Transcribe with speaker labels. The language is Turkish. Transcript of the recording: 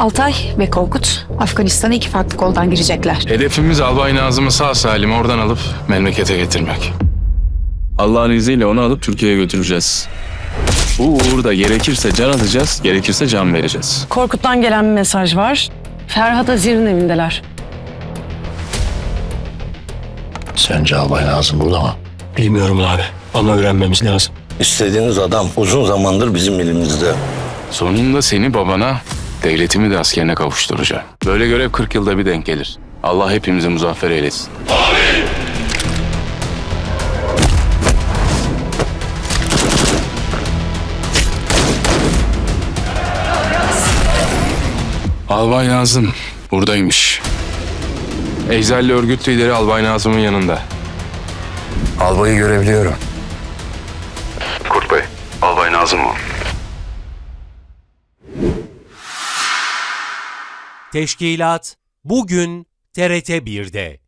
Speaker 1: Altay ve Korkut Afganistan'a 2 farklı koldan girecekler.
Speaker 2: Hedefimiz Albay Nazım'ı sağ salim oradan alıp memlekete getirmek. Allah'ın izniyle onu alıp Türkiye'ye götüreceğiz. Bu uğurda gerekirse can alacağız, gerekirse can vereceğiz.
Speaker 3: Korkut'tan gelen bir mesaj var. Ferhat Azir'in evindeler.
Speaker 4: Sence Albay Nazım burada mı?
Speaker 5: Bilmiyorum abi ama öğrenmemiz lazım.
Speaker 6: İstediğiniz adam uzun zamandır bizim elimizde.
Speaker 2: Sonunda seni babana, devletimi de askerine kavuşturacağım. Böyle görev 40 yılda bir denk gelir. Allah hepimizi muzaffer eylesin. Albay Nazım buradaymış. Eczelli örgüt lideri Albay Nazım'ın yanında.
Speaker 6: Albayı görebiliyorum.
Speaker 2: Kurt Bey, Albay Nazım o.
Speaker 7: Teşkilat bugün TRT 1'de.